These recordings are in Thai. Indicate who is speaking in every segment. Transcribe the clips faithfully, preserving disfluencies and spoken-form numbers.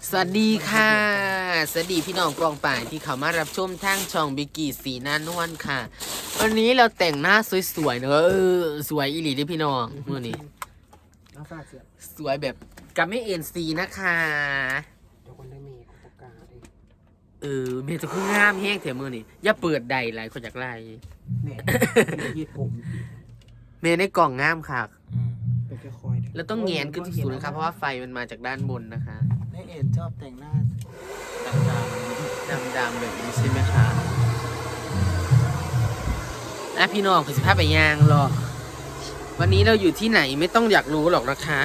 Speaker 1: สวัสดีค่ะสวัสดีพี่น้องกองป่ายที่เขามารับชมทางช่องบิกกี้สีหน้านวลค่ะวันนี้เราแต่งหน้าสวยๆเนอะเออสวยอีหลีด้วยพี่น้องมื่อนี้สวยแบบกับไม่เอ็นซีนะคะเดี๋ยวคนได้มีกุปกาเออเมย์จะคืองามแห้งเถอะมื่อนี้อย่าเปิดใดไรคนจากไรเมย์ยืดผมเมย์ในกล่องงามค่ะแล้วต้องแงนขึ้นสูงๆนะครับเพราะว่าไฟมันมาจากด้านบนนะคะ
Speaker 2: แม่เอ็นชอบแต่งหน้าดำ
Speaker 1: ดำๆแบบนี้ใช่ไหมคะนะพี่น้องคือสิภาพไปยางหรอกวันนี้เราอยู่ที่ไหนไม่ต้องอยากรู้หรอกนะคะ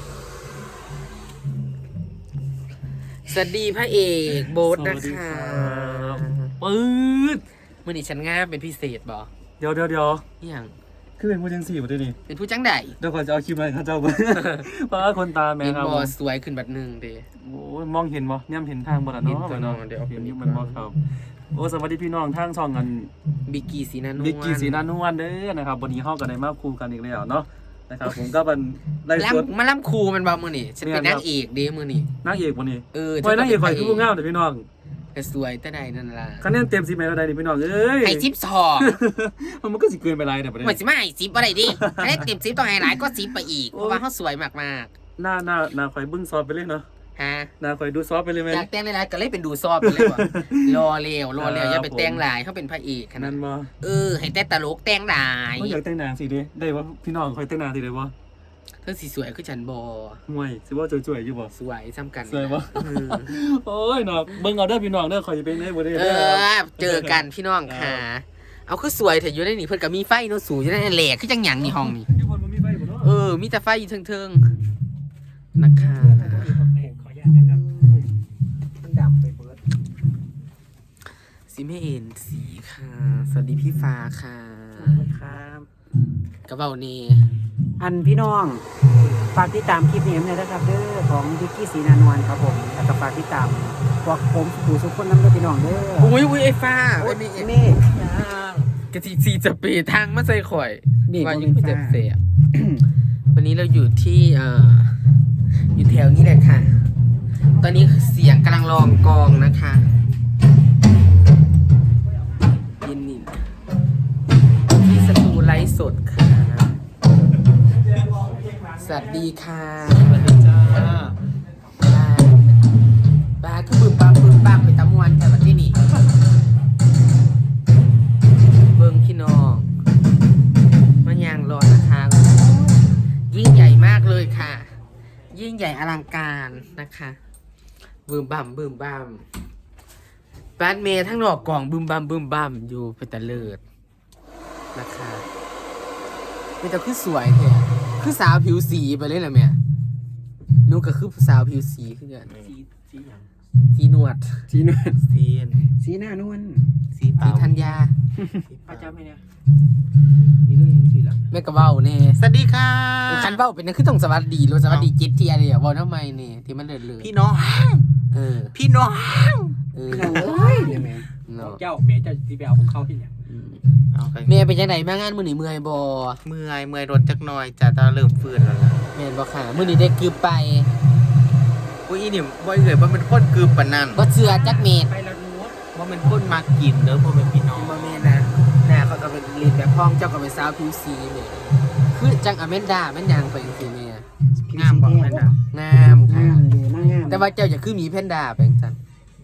Speaker 1: สวัสดีพระเอกโบ๊ทนะคะ
Speaker 2: ปื๊ด
Speaker 1: มื่อนี้ฉันง่าเป็นพิเศษบอ
Speaker 2: เดี๋ยวเดี๋ยวเดี๋ยว
Speaker 1: อย่าง
Speaker 2: คือเป็นผู้จังสี่หมดเลยนี่
Speaker 1: เป็นผู้จังใด
Speaker 2: เดี๋ยวก่อนจะเอาคลิปอะไรข้าเจ้าบ้างเพราะว่าคนตาแม่ครับ
Speaker 1: บอสวยขึ้นบัดหนึ่งเด้
Speaker 2: โอ้มองเห็นบ่เนี่ยเห็นทางบ่ล่ะเนาะเนาะเดี๋ยวเห็นอยู่มันบ่ครับโอ้สวัสดีพี่น้องทางช่องกัน
Speaker 1: บิกกี้สีนานวล
Speaker 2: บิกกี้สีนานวลเด้อนะครับวันนี้เฮากันได้มาคู่กันอีกแล้วเนาะนะครับผมก็เป็นไล่สด
Speaker 1: มาล่ำครูมันบ่มื้อนี้ฉันเป็นนางเอกเด้มื้อนี้
Speaker 2: นางเอกวันนี้
Speaker 1: เออ
Speaker 2: โอ้ยนางเอกข่อยคือผู้งามเด้อพี่น้อง
Speaker 1: ก็สวยแต่ใดนั่นล่ะ
Speaker 2: คะแนนเต็มสิบแม่เท่าใดนี่พี่น้องเอ้ย
Speaker 1: ให้สิบสอง
Speaker 2: มันก็สิเกินไปหลายเนี่ยประเด็น
Speaker 1: เหมือนสิมาให้สิบบ่ได้ดิคะแนนเต็มสิบต้องให้หลายก็สิบไปอีกเพราะว่าเฮาสวยมาก
Speaker 2: ๆหน้าหน้าหน้าข่อยบึ้งซอฟไปเลยเนาะ
Speaker 1: ฮะ
Speaker 2: หน้าข่อยดูซอฟไปเลยมั้ย
Speaker 1: อยากแต่งหลายๆก็เลยเป็นดูซอฟไปเลยว่ะรอเร็วรอเร็วอย่าไปแต่งหลายเฮาเป็นพระเอกขนาดนั้น
Speaker 2: บ่
Speaker 1: เออให้แต่ตลกแต่งหลาย
Speaker 2: บ่อยากแต่งหน้าสิเด้ได้บ่พี่น้องข่อยแต่งหน้าสิได้บ่
Speaker 1: เธอสีสวยคือฉันบอ
Speaker 2: ห่วยสิว่าสวยๆอยู่บ่
Speaker 1: สวยซ้ำกัน
Speaker 2: สวยบ่โอ้ยเนาะเบิ่งเอาเด้อพี่น้องเด้อข่อยสิเป็นได้บ่ได้
Speaker 1: เออเจอกันพี่น้องค่ะเอาคือสวยแต่อยู่ในนี่เพิ่นก็มีไฟเนาะสูงอยู่ในแหลกคือจังหยังนี่ห้องนี่
Speaker 2: อยู่บ่มีไฟบ่เนาะ
Speaker 1: เออมีแต่ไฟอยู่เทิงๆนะคะ
Speaker 2: ขออนุญาตนะครับมันดำไปเบิด
Speaker 1: สิไม่เอ็นสีค่ะสวัสดีพี่ฟ้าค่ะ
Speaker 2: ครับ
Speaker 1: กระเป๋านี่
Speaker 3: อันพี่น้องฝากติดตามคลิปนี้ด้วยนะครับเด้อของบิกกี้สีนานวลครับผมแล้วก็ฝากติดตามพวกผมผู้สุขคนน้ำด้วยพี่น้องเด้อ
Speaker 1: อุ้ยอุ้ยไอ้ฟ้า
Speaker 3: โอ้ย
Speaker 1: นี่
Speaker 3: นี่
Speaker 1: กะทิซีจะปีทางมาใส่ข่อย
Speaker 3: นี่
Speaker 1: ว่าอยู่เจ็บเสียวันนี้เราอยู่ที่เอ่ออยู่แถวนี้แหละค่ะตอนนี้เสียงกำลังลองกองนะคะยินนี่ที่สตูไลฟ์สดค่ะสวัสดีค่ะ
Speaker 2: สวัสดีจ้า
Speaker 1: บ้าบ้าคือบึ้มบ้ามบึ้มบ้ามไปตะมวนแต่วันที่นี่เบิ้งพี่น้องมันยางรอนะคะยิ่งใหญ่มากเลยค่ะยิ่งใหญ่อลังการนะคะบึ้มบ้ามบึ้มบ้ามบ้านเมย์ทั้งนอกกล่องบึ้มบ้ามบึ้มบ้ามอยู่ไปแต่เลิศนะคะเป็นแต่คือสวยแท้คือสาวผิวสีไปเลยแหละแม่นูก็คือสาวผิวสีคือกัน
Speaker 2: สีสีหยัง
Speaker 1: สีนวด
Speaker 3: สีนวล
Speaker 2: สี
Speaker 3: สีหน้านวล
Speaker 2: สีเปล่า
Speaker 1: ธัญญา
Speaker 3: ป้าเจ้าไหมเนี่ย
Speaker 2: นี่เรื่องยังสิล่ะ
Speaker 1: แม่กระเบ้าเนี่ย
Speaker 2: สวัสดีค่ะ
Speaker 1: คันเบ้าเป็นนั่นคือต้องสวัสดีรู้สวัสดีเจ็ดเทียเลยอ่ะบอกทำไมเนี่ยที่มันเดือดเลย
Speaker 2: พี่น้อง
Speaker 1: เออ
Speaker 2: พี่น้อง
Speaker 1: เออ
Speaker 3: เอ้ยเลยแม่
Speaker 2: เจ้าแม่จะสิไปเอาของเขาที่เนี่ย
Speaker 1: แม่เป็นยังไงมางานมื้อนี้เมื่อยบ่
Speaker 2: เมื่อยเมื่อยรถจักหน่อยจ้ะตาเริ่มฟื้นแล้วล่ะ
Speaker 1: แม่นบ่ค่ะมื้อนี้ได้กืบไป
Speaker 2: อุ้ยอีนี่บ่เอ่ยบ่เป็นคนกึบปานนั้น
Speaker 1: บ่เชื่อจักเม็ด
Speaker 2: ไปแล้วรู้บ่เป็นคนมากินเด้อบ่เป็นพี่น้อง
Speaker 1: บ่แม่นนะหน้าเขาก็เป็นลิ้นแบบพองเจ้าก็เป็นสาวผิวสีแม่คือจังอเมนดาแม่นยังไปจังซี่แม่
Speaker 2: งามบ่แม่นน่ะ
Speaker 1: งามค่ะ
Speaker 3: งามเลยน่างาม
Speaker 1: แต่ว่าเจ้าจะคือหมีแพนด้าไปจังซั่น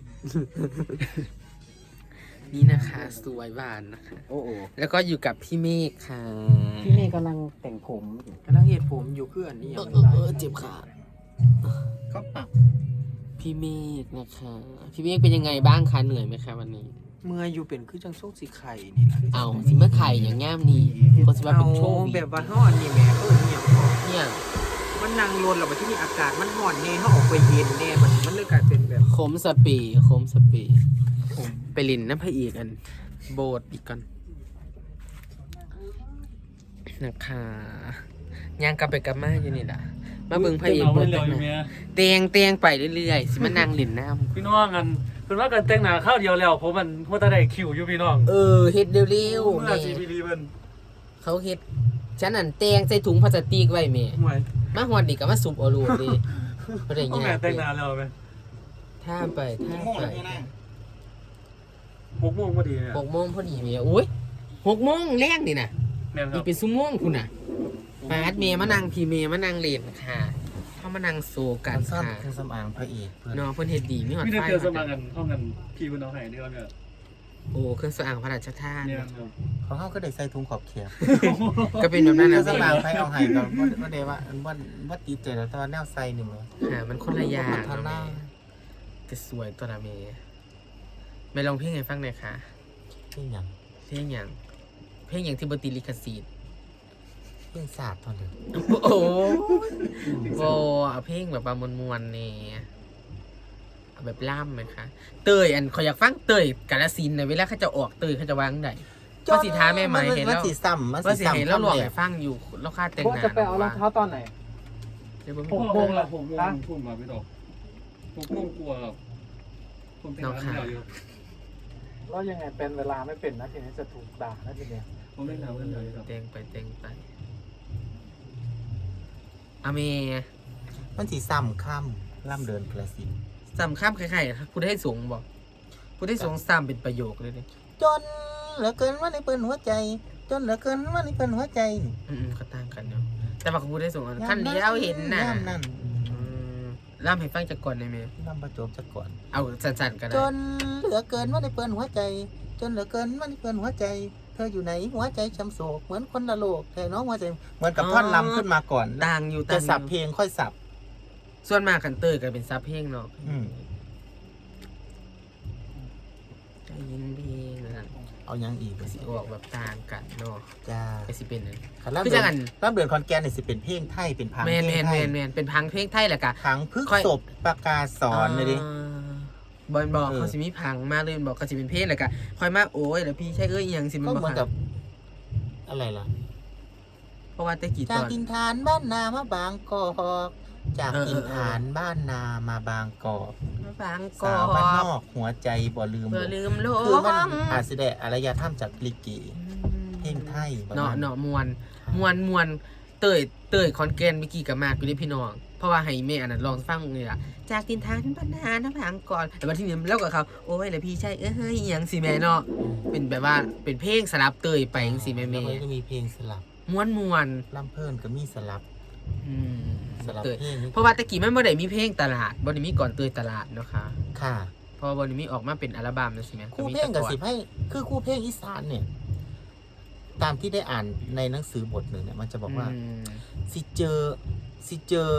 Speaker 1: นี่นะคะสวยหวานนะคะ
Speaker 3: โอ้โห
Speaker 1: แล้วก็อยู่กับพี่เมฆค่ะ
Speaker 3: พี่เมย์กำลังแต่งผมอยู่
Speaker 2: กำลังเฮ็ดผมอยู่คืออันนี้
Speaker 1: เออเออเออเจ็บขา
Speaker 2: เขาปรับ
Speaker 1: พี่เมฆนะคะพี่เมฆเป็นยังไงบ้างคะเหนื่อยไหมคะวันนี้
Speaker 2: เมื่อยอยู่เป็นคือจังโซกสีไข่นี่ล่ะ
Speaker 1: เอาสิเมื่อไข่อย่างง่ามนี่คนสิว่าเป็นโชว์
Speaker 2: แบบว่าเฮาอันนี้แหม่เพิ่นเนี่ย
Speaker 1: เนี่ย
Speaker 2: มันนั่งรถแล้วบัดที่นี่อากาศมันร้อนแน่เฮาออกไปเย็นแน่มันมันเลยกลายเป็นแบบ
Speaker 1: โคมสปีโคมสปีไปลินน้ำพระอีกอันโบดอีกก่อนนะคะย่างกลับไปกลับมาอยู่นี่แหละมาเบิ่งพระเอกเบิ่งเตียงเตียงไปเรื่อยๆสิมานั่งลินน้ำ
Speaker 2: พี่น้องกันเพิ่นว่ากันแต่งหน้าข้าวเดียวแล้วผมมันว่าแต่ได้คิวอยู่พี่น้อง
Speaker 1: เออเฮ็ดเร็วๆ
Speaker 2: เมื่อสิพี่ลีเพิ่น
Speaker 1: เขาเฮ็ดฉันอันเตียงใส่ถุงพลาสติกไว้แม่
Speaker 2: ห่วย
Speaker 1: มาฮอดนี่ก็มาสุบเอาโลดดิบ่ได้
Speaker 2: เอา
Speaker 1: ยา
Speaker 2: แม่
Speaker 1: ก
Speaker 2: แต่งหน้าแล้วแม่
Speaker 1: ท่าไปท่าไป
Speaker 2: หกโมงพอดีเนี่ย
Speaker 1: หกโมงพอดีเมียอุ้ยหกโมงแรงนี่นะ
Speaker 2: แม่นค
Speaker 1: อี
Speaker 2: รั
Speaker 1: ก
Speaker 2: บ
Speaker 1: เป็นชั่วโมงคุณน่ะปาดเมย์มานั่งพี่เมย์มานั่งเล่นค่ะเข้ามานั่งโซกัน
Speaker 4: ซ่อน
Speaker 1: ค่ะ
Speaker 4: เครื่องสำอางพระเอกเพื่อน
Speaker 1: น้องเพิ่นเฮ็ดดีมีหอด
Speaker 2: มีแต่
Speaker 1: ไฟ
Speaker 2: เจอสมัครกันห้องกันพี่คุณน้องไห้เดียวเนี่ย
Speaker 1: โอ้เครื่องสำอางพระราชทาน
Speaker 2: เนี่ยครับ
Speaker 4: เขาเขาก็ได้ใส่ถุงขอบเขียบ
Speaker 1: ก็เป็นแบบนั้น
Speaker 4: เครื่
Speaker 1: นะ
Speaker 4: องสำอางไฟเอาให้กับว่าเดว่าว่าว่าตีเจแล้วแต่ว่าแนวใส่หนึ่งเลย
Speaker 1: ค่ะมันคนละอย่าง
Speaker 4: ทาหน้า
Speaker 1: จะสวยตัวละเมย์ไม่ลองเพลงให้ฟังหน่อยค่ะ
Speaker 4: ที่อย่าง
Speaker 1: เพลงอย่างเพลงอย่างที่บติลิขสิทธิ์
Speaker 4: เรื่องศาสตร์ตอนเดียว
Speaker 1: โอ้โหเอาเพลงแบบว่ามวนๆเนี่ยเอาแบบล่ำไหมคะเตยอันขอยอยากฟังเตยกาลสินธุ์นะเวลาเขาจะออกเตยเขาจะวางไหนว่าสิท้าแม่ไหมเห็น
Speaker 4: มัน
Speaker 1: แล้ว
Speaker 4: สีซ้ำมัน
Speaker 1: ว่า
Speaker 4: สี
Speaker 1: สิเห็น
Speaker 4: ซ้ำ
Speaker 1: แล้วหลอก
Speaker 4: คำ
Speaker 1: ให้ฟังอยู่แล้วค่าแต่ง
Speaker 3: พวก
Speaker 1: หน้า
Speaker 3: จะไปเอารองเท้าตอนไหน
Speaker 1: เดี๋ยวผม
Speaker 2: หกโมงละหกโมงพุ่มมาพี่ดอกหกโมงกลัวครับผมเป็นร้านเดียวอยู่
Speaker 3: แล้วยังไงเป็นเวลาไม่เป็นนะทีนี้จะถูกด่านะทีเนี้ย
Speaker 2: ผมเป็นร้านเดียวอยู่ครับ
Speaker 1: แต่งไปแต่งไปอเม
Speaker 4: มันสีซ้ำค่ำล่ำเดินกระสิน
Speaker 1: สำคัญใครๆพูดให้สูงบอกพูดให้สูงซ้ำเป็นประโยคเลยเนี่ย
Speaker 4: จนเหลือเกินว่าในเปิ้นหัวใจ จนเหลือเกินว่าในเปิ้นหัวใจ
Speaker 1: อืมๆเขาต่างกันเนาะแต่ว่าเขาพูดให้สูงอันขั้นเดียวเห็นน่ะ
Speaker 4: ย่ำนั่น
Speaker 1: อืมล่ำให้ฟังจากก่อนได้ไหม
Speaker 4: ล่ำประจบจะก่อน
Speaker 1: เอาสั้นๆก็
Speaker 4: จ
Speaker 1: ได้
Speaker 4: นเหลือเกินว่าในเปิ้นหัวใจ จนเหลือเกินว่าในเปิ้นหัวใจ เธออยู่ไหนหัวใจช้ำโศกเหมือนคนละโลกแต่น้องหัวใจเหมือนกับท่อนลำขึ้นมาก่อน
Speaker 1: ต่างอยู่
Speaker 4: จะ
Speaker 1: ต่างอ
Speaker 4: สับ
Speaker 1: ยู่
Speaker 4: เพลงค่อยสับ
Speaker 1: ส่วนมากคันเตอร์ก็เป็นซับเพลงเนาะ
Speaker 4: อืม
Speaker 1: ได้ยินเพลงนะ
Speaker 4: เอายังอีก
Speaker 1: ก็สิออกแบบต่างกันเนาะ
Speaker 4: จ้า
Speaker 1: ก็สิเป็นนั่น
Speaker 4: คันรับ
Speaker 1: คือ
Speaker 4: เดื
Speaker 1: จั
Speaker 4: อน
Speaker 1: งอัน
Speaker 4: รับเดือนคอนแกนเนี่ยสิเป็นเพลงไทยเป็นพัง
Speaker 1: แม
Speaker 4: เพล
Speaker 1: น
Speaker 4: ง
Speaker 1: แมน
Speaker 4: ไท
Speaker 1: แม
Speaker 4: ย
Speaker 1: นแมนเป็นพังเพลงไทยแหละกะ
Speaker 4: พังพึก
Speaker 1: ค่อย
Speaker 4: ศพประกาศสอนเลยดิ
Speaker 1: บอลบอก
Speaker 4: เออ
Speaker 1: เขาสิมีพังมาเลยบอกเขาสิเป็นเพลงแหละกะค่อยมาโอ้ยแล้วพี่ใช่เอ้ยอิหยังสิมัน
Speaker 4: ก็
Speaker 1: บ่
Speaker 4: เหมือน
Speaker 1: ค่ะ
Speaker 4: กับอะไรล่ะ
Speaker 1: เพราะว่าแต่กี่ต
Speaker 4: จาก
Speaker 1: อน
Speaker 4: กินฐานบ้านนามาบางกอกจาก
Speaker 1: เออ
Speaker 4: กิน
Speaker 1: เออ
Speaker 4: ฐานบ้านนามาบางกอก
Speaker 1: ฟังก่อ
Speaker 4: สาวบ้านน
Speaker 1: น
Speaker 4: อกหัวใจบ่ลืม
Speaker 1: เพื่อลืมโลก
Speaker 4: คือมันอาจสิได้อารยธรรมจากลิเกเพลงไทยประ
Speaker 1: เนาะ
Speaker 4: มาณ
Speaker 1: เนาะมวนมวนมวนเตยเตยคอนแกนเมื่อกี้กับมากอยู่ด้วยพี่น้อง เพราะว่าให้แม่อันนั้นลองฟังเลยล่ะจากตินทานบรรณาน้ำพังก่อนแต่วันที่นี้แล้วกับเขาโอ้ยแล้วพี่ใช่เอ้ยอิหยังสิแม่เนาะเป็นแบบว่าเป็นเพลงสลับเตยไปจังสิแม่
Speaker 4: แล้
Speaker 1: แม่
Speaker 4: วก็จะมีเพลงสลับ
Speaker 1: ม้วนมวน
Speaker 4: ลำเพิ่นก็มีสลับ
Speaker 1: อืม
Speaker 4: สลับ
Speaker 1: เตย
Speaker 4: เพลงนี่
Speaker 1: เพราะว่าตะกี้มันบ่ได้มีเพลงตลาดบ่ได้มีก่อนเตยตลาดเนาะค่ะ
Speaker 4: ค่ะ
Speaker 1: เพราะว่าบ่ได้มีออกมาเป็นอัลบั้มนะสิแม่
Speaker 4: คู่เพลงกับสิบให้คือคู่เพลงอีสานเนี่ย ตามที่ได้อ่านในหนังสือบทหนึ่งเนี่ยมันจะบอกว่า
Speaker 1: ม
Speaker 4: สิเจอสิเจอ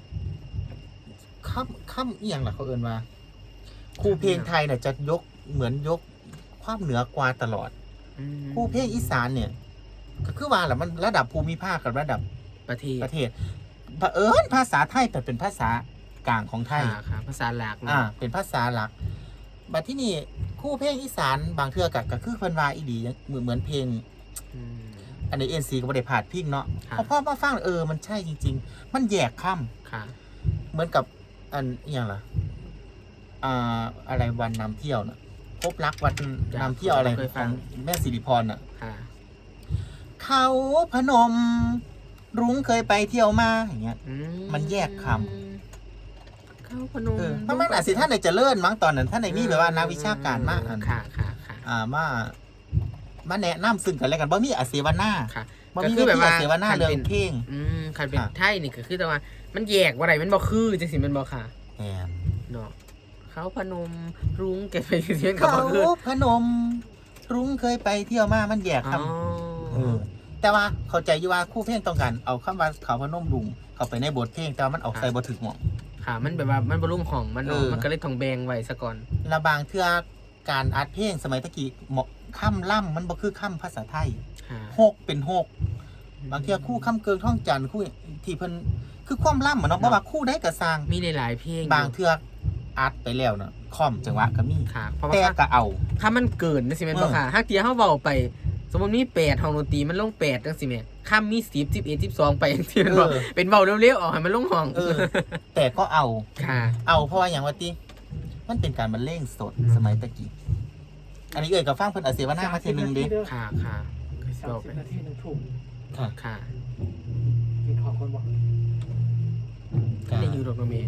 Speaker 4: ค่ำค่ำเอียงล่ะเขาเอินว่าครูเพลงไทยเนี่ยจะยกเหมือนยกความเหนือกว่าตลอด
Speaker 1: อืม
Speaker 4: ครูเพลงอีสานเนี่ย ก็คือว่าแหละมันระดับภูมิภาคกับระดับ
Speaker 1: ประเทศ
Speaker 4: ประเทศเผอิญภาษาไทยแต่เป็นภาษากลางของไทย
Speaker 1: ค่ะค่ะภาษาหลักเนาะ
Speaker 4: อ่า เป็นภาษาหลัก บัดที่นี่ครู่เพลงอีสานบางเทื่อกับก็คือเพิ่นว่าอีดีเหมือนเหมือนเพลง
Speaker 1: อืม
Speaker 4: อันนี้เอ็นซีก็บ่ได้ผ่านพิงเนาะ
Speaker 1: ครับ
Speaker 4: พอพ่อมาฟังเออมันใช่จริง ๆ มันแยกค่ำ
Speaker 1: ค่ะ
Speaker 4: เหมือนกับอันอหย่างล่ะอ่าอะไรวันนำเที่ยวน่ะพบรักวันนำเที่ยวอะไรของแม่สิริพรน่ะ
Speaker 1: ค่ะ
Speaker 4: เขาพนม รุ้งเคยไปเที่ยวมาอย่างเงี้ย
Speaker 1: อื
Speaker 4: มันแยกค
Speaker 1: เข้าพนม
Speaker 4: เออเพราะมันอาจสิท่านในเจริญมั้งตอนนั้นท่านในมีแบบว่านักวิชาการมากอัน
Speaker 1: ค่ะค่ะค่ะ
Speaker 4: อ่ามามาแนะนำซึ่งกันและกันบ่มีอาเสวนา
Speaker 1: ค่ะ
Speaker 4: บ่
Speaker 1: ก็
Speaker 4: มี
Speaker 1: คือแบบว่า
Speaker 4: อาเสวนา
Speaker 1: คัน
Speaker 4: เรื่อ
Speaker 1: เป็
Speaker 4: ง
Speaker 1: น
Speaker 4: เพลง
Speaker 1: อืมคันเป็น
Speaker 4: ค่ะ
Speaker 1: ไทยนี่ก็คือแต่ว่า มันแยกว่าไรมันบ่คือจังสิมันบ่ค่ะ
Speaker 4: แอน
Speaker 1: เนาะเขาพนมรุ้งแกไปเที่ยวกับ
Speaker 4: เขา
Speaker 1: บ่คือ
Speaker 4: พนม รุ้งเคยไปเที่ยวมามันแยก
Speaker 1: อ๋
Speaker 4: ค
Speaker 1: อ
Speaker 4: ำเออแต่ว่าเข้าใจอยู่ว่าคู่เพลงต้องการเอาคำว่าเขาพนมรุ้งเข้าไปในบทเพลงแต่ว่ามันออกใส่บ่ถึกหม่อง
Speaker 1: ค่ะ มันแบบว่ามันบ่รุ่งของมันเนาะ
Speaker 4: เออ
Speaker 1: มันก็เลยต้องแบ่งไว้ซะก่อน
Speaker 4: และบางเทื่อการอัดเพลงสมัยตะกี้เหมาะค่ำล่ำมันบ่คือค่ำภาษาไทย
Speaker 1: ค่ะ
Speaker 4: หกเป็นหกบางเทื่อคู่ค่ำเกิงท่องจันทร์คู่ที่เพิ่นคือความล่ำเหมือนเนาะบ่ว่าคู่ใดก็สร้าง
Speaker 1: มีหลายๆเพลง
Speaker 4: บางเทื่ออัดไปแล้วเนาะคอมจังหวะก็มี
Speaker 1: ค่ะ เพราะว่า
Speaker 4: แต่ก็เอา
Speaker 1: ถ้ามันเกินจังสิแม่นบ่ค่ะถ้าเทียเฮาเว้าไป สมมุติมีแปดห้องดนตรีมันลงแปดจังสิแม่ค่ำมีสิบ สิบเอ็ด สิบสองไปจังซี่แม่นบ่
Speaker 4: เออ
Speaker 1: เป็นเว้าเร็วๆออกให้มันลงห้อง
Speaker 4: เออ แต่ก็เอา
Speaker 1: ค่ะ
Speaker 4: เอาเพราะว่าอย่างว่าติมันเป็นการบรรเลงสดสมัยตะกี้อันนี้เอ่ยกับฟังเพิ่นอาเสวนามาเทื่อนึงเด้
Speaker 1: ค่ะค่ะก็สิ
Speaker 3: สาม
Speaker 1: บอก
Speaker 3: สิ
Speaker 1: ไป
Speaker 3: บนาทีหนึ่งทุ่ม
Speaker 4: ค่ะ
Speaker 1: ค่ะ
Speaker 3: กินของคนบอก
Speaker 1: ได้อยู่ดอกเนาะแม่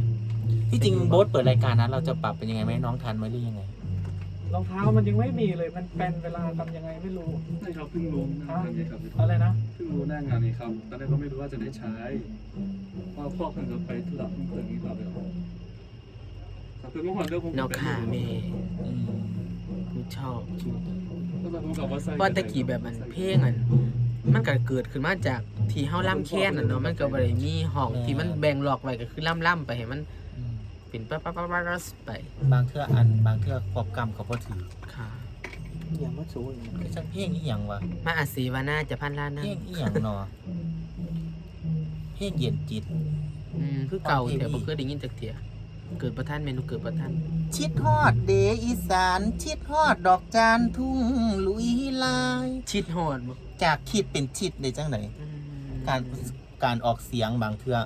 Speaker 4: ที่จริงโบ๊ทเปิดรายการนั้นเราจะปรับเป็นยังไงไหมน้องทันไหมหรือยังไง
Speaker 5: รองเท้ามันยังไม่มีเลยมันเป็นเวลาทำยังไงไม่รู้
Speaker 2: ใช่ครับเพิ่งรู้หน้างานนี้ครับ
Speaker 5: อะไรนะ
Speaker 2: เพิ่งรู้หน้างานนี้ครับตอนแรกก็ไม่รู้ว่าจะได้ใช้เพราะพ่อเพิ่งจะไปธุระเพิ่งเพิ่งนี้ครับเดี๋ยวครับคือเมื่อวานเรื่องผม
Speaker 1: นอกขาเมย์
Speaker 4: อืม
Speaker 1: กูชอบคิว
Speaker 2: ก็ตอนผมกับว่าใส่
Speaker 1: บอลตะกี้แบบมันเพลงอ่ะมันก็เกิดขึ้นมาจากที่เฮาล่ำแค้นน่ะเนาะมันก็บ่ได้มีห้องที่มันแบ่งหลอกไว้ก็คือล่ำๆไปให้มัน
Speaker 4: อืม
Speaker 1: เป็นปั๊บๆๆๆไป
Speaker 4: บางเทื่ออันบางเทื่อควบกรรมเขาพอถือ
Speaker 1: ค่ะ
Speaker 3: อย่างว่าสูง
Speaker 4: คือจังเพลงอีหยังวะ
Speaker 1: มาอาศีวาน่าจะพันล้านนะ
Speaker 4: เพลงอีหยังเนาะเพลงเย็นจิต
Speaker 1: อืมคือเก่าแต่บ่เคยได้ยินจักเที่ยเกิดประท่านเมนูเกิดประท่าน
Speaker 4: ชิดฮอดเดอีสานชิดฮอดดอกจานทุ่งลุยลาย
Speaker 1: ชิดฮอดบ่
Speaker 4: จากคิดเป็นชิดได้จังไหน
Speaker 1: อืม
Speaker 4: การการออกเสียงบางเทื่อ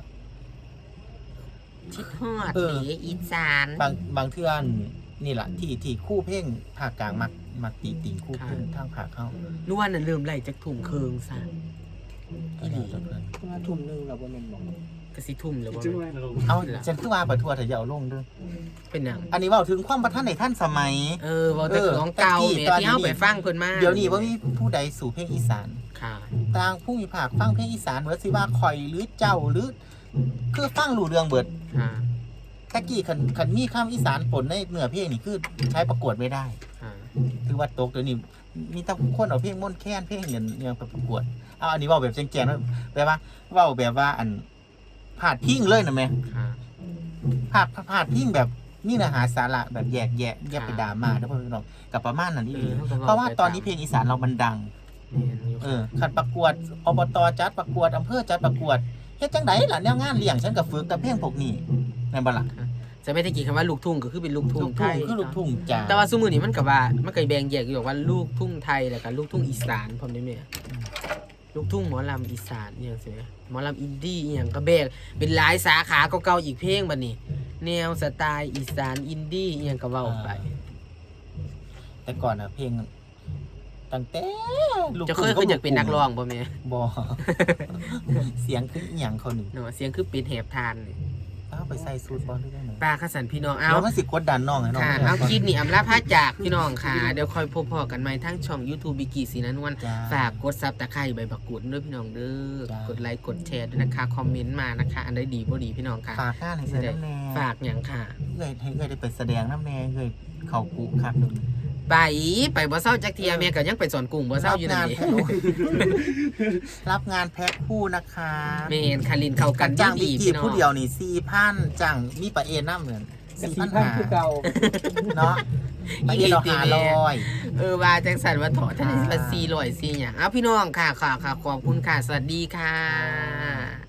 Speaker 1: ชิดฮอด
Speaker 4: เออ
Speaker 1: เดอีสาน
Speaker 4: บางบางเทื่อนี่แหละที่ที่คู่เพลงภาคกลางมักมักตีติงคู่เพลงทางภาคเข้าน
Speaker 1: วลน่ะเริ่มไล่จากทุ่มเคิงซะอีหลี
Speaker 3: มาทุ่มหนึงเราบ่แม่นบอก
Speaker 1: ก็สิทุ่มแล้วบ่
Speaker 2: จึงไว้เรา
Speaker 4: เอาฉันคือว่าประทัวเถอะอย่าเอาลงเด้วย
Speaker 1: เป็นหยัง
Speaker 4: อันนี้เว่าถึงความประทันในท่านสมัย
Speaker 1: เออเว้าแต่
Speaker 4: เออ
Speaker 1: ของเก่า
Speaker 4: ตะกี้
Speaker 1: แหม่
Speaker 4: ตอน
Speaker 1: ที่เฮา
Speaker 4: นี้
Speaker 1: ไปฟังเพิ่นมา
Speaker 4: เดี๋ยวนี้ว่ามีผู้ใดสู่เพลงอีสาน
Speaker 1: ค่ะ
Speaker 4: ต่างผู้มีภาคฟังเพลงอีสานเหมือนสิว่าคอยหรือเจ้าหรือ คือฟังรู้เรื่องเบิด
Speaker 1: ค่ะ
Speaker 4: ตะกี้คันคันมีคำอีสานปนในเนื้อเพลงนี่คือใช้ประกวดไม่ได้
Speaker 1: ค่ะ
Speaker 4: คือว่าตกเดี๋ยวนี้มีแต่คนเอาเพลงม่วนแค้นเพลงเงินเนี่ยไปประกวดเอาอันนี้เว่าแบบแจงๆนะแบบว่าเว่าแบบว่าอันพาดพิงเลยนะแม่
Speaker 1: ค่ะ
Speaker 4: พาดพาดพิงแบบนี่เนื้อหาสาระแบบแยกแยะแยกไปดราม่าแล้วพวกพี่น้องกับประมาณนั้นนี่
Speaker 1: เออเขาก็
Speaker 4: เพราะว่า
Speaker 1: ไป
Speaker 4: ตอนนี้เพลงอีสานเรามันดัง
Speaker 1: แม่นอยู่
Speaker 4: เออขันประกวดอบตจัดประกวดอำเภอจัดประกวดเฮ็ดจังไดล่ะแนวงานเลี้ยงฉันก็ฝึกกับเพลงพวกนี้แม่นบ่ล่ะ
Speaker 1: จะไม่ได้กี่คำว่าลูกทุ่งก็คือเป็นลูกทุ่
Speaker 4: ลู
Speaker 1: ง
Speaker 4: ก
Speaker 1: ไท
Speaker 4: ทุ่ง
Speaker 1: ย
Speaker 4: คือลูกทุ่งจ้า
Speaker 1: แต่ว่าสมือนี้มันก็ว่ามันก็แบ่งแยกอยู่ว่าลูกทุ่งไทยแล้วก็ลูกทุ่งอีสานพร้อมได้แม่ลูกทุ่งหมอลำอีสานอหย่างสิแม่หมอลำอินดี้อหย่างก็แบ่งเป็นหลายสาขาเก่าๆอีกเพลงบัดนี้ แนวสไตล์อีสานอินดี้อหย่างก็เว้าไป
Speaker 4: แต่ก่อนน่ะเพลงตั้งแต่ลูก
Speaker 1: จะเคยเคยอยากเป็นนักร้องบ่แม่
Speaker 4: บ่ เสียงคืออีหยังเขานี่
Speaker 1: เนาะเสียงคือเป็นแหบทานนี่
Speaker 4: เอาไปใส่สูตรบ่หรือจังได๋
Speaker 1: ปลาขสันพี่น้องเอา
Speaker 4: แล้วมันสิกดดันน้องให้น้อง
Speaker 1: ค่ะ
Speaker 4: ได้
Speaker 1: เอา
Speaker 4: ก่น
Speaker 1: คลิปนี้อำลาพาจากพี่น้องค่ะ เดี๋ยวคอยพบพอกันใหม่ทั้งช่อง YouTube บิกกี้สีนันวล
Speaker 4: จ้า
Speaker 1: ฝากกดซับตะไคร้ใบบักกุดด้วยพี่น้องเด้อ
Speaker 4: จ้าก
Speaker 1: ดไลค์กดแชร์ด้วยนะคะ คอมเมนต์มานะคะ อันใดดีบ่ดีพี่น้องค่ะ
Speaker 4: ฝากงานให้ใส่น้ำแน่
Speaker 1: ฝากอย่างค่ะ
Speaker 4: เอ้ยให้เอ้ยได้ไปแสดงน้ำแน่เอ้ยเข้ากุคักหนึง
Speaker 1: ไปไปบ่เศร้าจักเทียแม่ก็ยังไปสอนกุ้งบ่เศร้าอยู่นั่นเอง
Speaker 4: รับงานแพ็คคู่นะคะ
Speaker 1: แม่นคารินเข้ากัน
Speaker 4: จ้าง
Speaker 1: ดี
Speaker 4: บิก
Speaker 1: ๆ
Speaker 4: กี้
Speaker 1: พี่น้อง
Speaker 4: ผู้เดียวนี่สี่พันจ้างมีปลาเอ็นน้ำเหมือน
Speaker 3: กับ
Speaker 4: สี่
Speaker 3: สี่
Speaker 4: พัน
Speaker 3: พัน
Speaker 4: หา
Speaker 3: คือเก่า
Speaker 4: เนาะปลาเอ็นเราหาร้อย
Speaker 1: เออว่าจังสันว่าถอดท่านละสี่ร้อยสี่หยังเอาพี่น้องค่ะค่ะค่ะขอบคุณค่ะ สวัสดีค่ะ